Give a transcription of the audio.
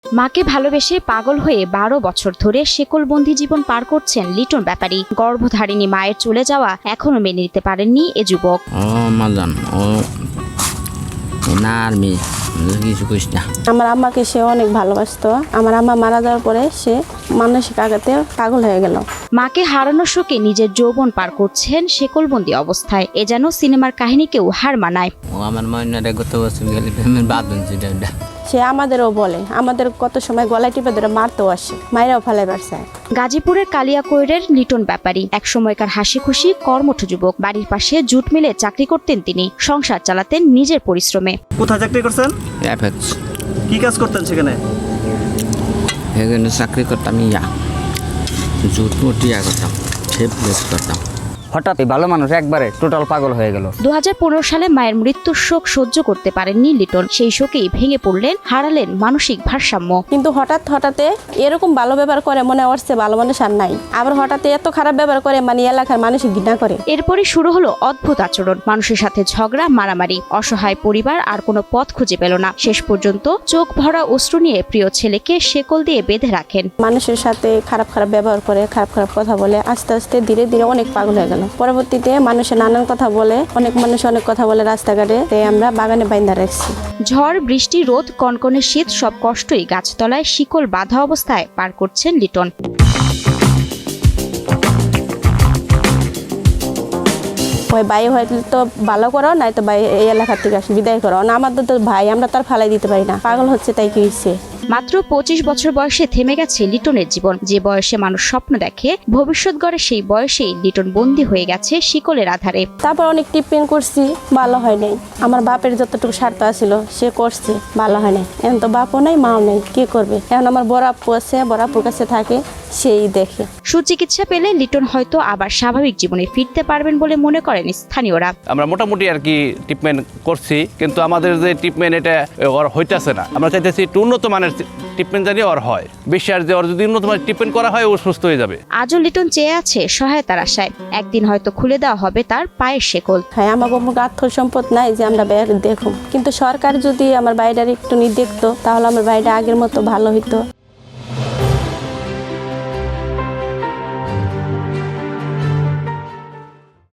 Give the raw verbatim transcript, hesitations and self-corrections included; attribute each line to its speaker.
Speaker 1: মাকে ভালোবেসে পাগল হয়ে বারো বছর ধরে শেকলবন্দি জীবন পার করছেন লিটন ব্যাপারী। গর্ভধারিণী মায়ের চলে যাওয়া এখনো মেনে নিতে পারেননি এ যুবক।
Speaker 2: ও মাজান ও না আর মেয়ে কিছু কইস না।
Speaker 3: আমার আম্মাকে সে অনেক ভালোবাসতো। আমার আম্মা মারা যাওয়ার পরে সে মানসিক আঘাতে পাগল হয়ে গেল।
Speaker 1: মাকে হারানোর শোকে নিজের যৌবন পার করছেন শেকলবন্দি অবস্থায়। এ যেন সিনেমার কাহিনীকেও হার মানায়।
Speaker 2: ও আমার ময়নারে গত বছর গেলে প্রেমের বাদ হয়েছে।
Speaker 3: সে আমাদেরও বলে, আমাদের কত সময় গলায় টিপে ধরে মারতেও আসে, মায়েরাও ফেলাই পারছে।
Speaker 1: গাজীপুরের কালিয়াকৈরের লিটন ব্যাপারী এক সময়কার হাসি খুশি কর্মঠ যুবক। বাড়ির পাশে জুট মিলে চাকরি করতেন তিনি, সংসার চালাতেন নিজের পরিশ্রমে।
Speaker 4: কোথায় চাকরি করছেন?
Speaker 2: এফএক্স
Speaker 4: কি কাজ করতেন সেখানে?
Speaker 2: এখানে চাকরি করতাম, ইয়া জুট মুটিয়া করতাম, শেপ লেস করতাম।
Speaker 5: হঠাৎ এই ভালো মানুষ একবারে টোটাল পাগল হয়ে গেল।
Speaker 1: দু হাজার পনেরো সালে মায়ের মৃত্যুর শোক সহ্য করতে পারেননি লিটন। সেই শোকেই ভেঙে পড়লেন, হারালেন মানসিক ভারসাম্য।
Speaker 3: কিন্তু হঠাৎ হঠাৎ এরকম ভালো ব্যবহার করে মনে হচ্ছে ভালো মানুষ আর নাই, আবার হঠাৎ এত খারাপ ব্যবহার করে মানে এলাকার মানুষ ঘৃণা করে।
Speaker 1: এরপরই শুরু হলো অদ্ভুত আচরণ, মানুষের সাথে ঝগড়া, মারামারি। অসহায় পরিবার আর কোনো পথ খুঁজে পেল না। শেষ পর্যন্ত চোখ ভরা অশ্রু নিয়ে প্রিয় ছেলেকে শেকল দিয়ে বেঁধে রাখেন।
Speaker 3: মানুষের সাথে খারাপ খারাপ ব্যবহার করে, খারাপ খারাপ কথা বলে, আস্তে আস্তে ধীরে ধীরে অনেক পাগল হয়ে গেল। পরবর্তীতে মানুষের নানান কথা বলে, অনেক মানুষ অনেক কথা বলে রাস্তাঘাটে, তাই আমরা বাগানে বাইন্ধা রাখছি।
Speaker 1: ঝড়, বৃষ্টি, রোদ, কনকনে শীত সব কষ্টই গাছতলায় শিকল বাঁধা অবস্থায় পার করছেন লিটন।
Speaker 3: ওই ভাই হয়তো তো ভালো করো, নাই তো ভাই এই এলাকার থেকে আসি বিদায় করো না। আমাদের তো ভাই, আমরা তার ফালাই দিতে পারি না। পাগল হচ্ছে তাই কি হচ্ছে।
Speaker 1: মাত্র পঁচিশ বছর বয়সে থেমে গেছে লিটনের জীবন। যে বয়সে মানুষ স্বপ্ন দেখে, ভবিষ্যৎ গড়ে, সেই বয়সেই লিটন বন্দী হয়ে গেছে শিকলের আধারে।
Speaker 3: তারপর অনেক টিপমেন্ট করছি, ভালো হয় নাই। আমার বাপের যতটুকু স্বার্থ আছিল সে করছে, ভালো হয় নাই। এখন তো বাপও নাই, মাও নাই, কি করবে? এখন আমার বড় আপু আছে, বড় আপুর কাছে থাকে, সেই দেখে।
Speaker 1: সুচিকিৎসা পেলে লিটন হয়তো আবার স্বাভাবিক জীবনে ফিরতে পারবেন বলে মনে করেন স্থানীয়রা।
Speaker 6: আমরা মোটামুটি আর কি ট্রিটমেন্ট করছি, কিন্তু আমাদের যে ট্রিটমেন্ট এটা ওর হইতেছে না। আমরা চাইতেছি একটু উন্নত মানের ট্রিটমেন্ট জানিয়ে ওর হয়। বিশ্বাস যে ওর যদি উন্নত মানের ট্রিটমেন্ট করা হয় ও সুস্থ হয়ে যাবে।
Speaker 1: আজও লিটন চেয়ে আছে সহায়তার আশায়। একদিন হয়তো খুলে দেওয়া হবে তার পায়ের শেকল।
Speaker 3: হ্যাঁ, আমার কোনো আর্থ সম্পদ নাই যে আমরা বাইরে দেখুন, কিন্তু সরকার যদি আমার বাইরে একটু নি দেখতো তাহলে আমার বাইরে আগের মতো ভালো হইতো।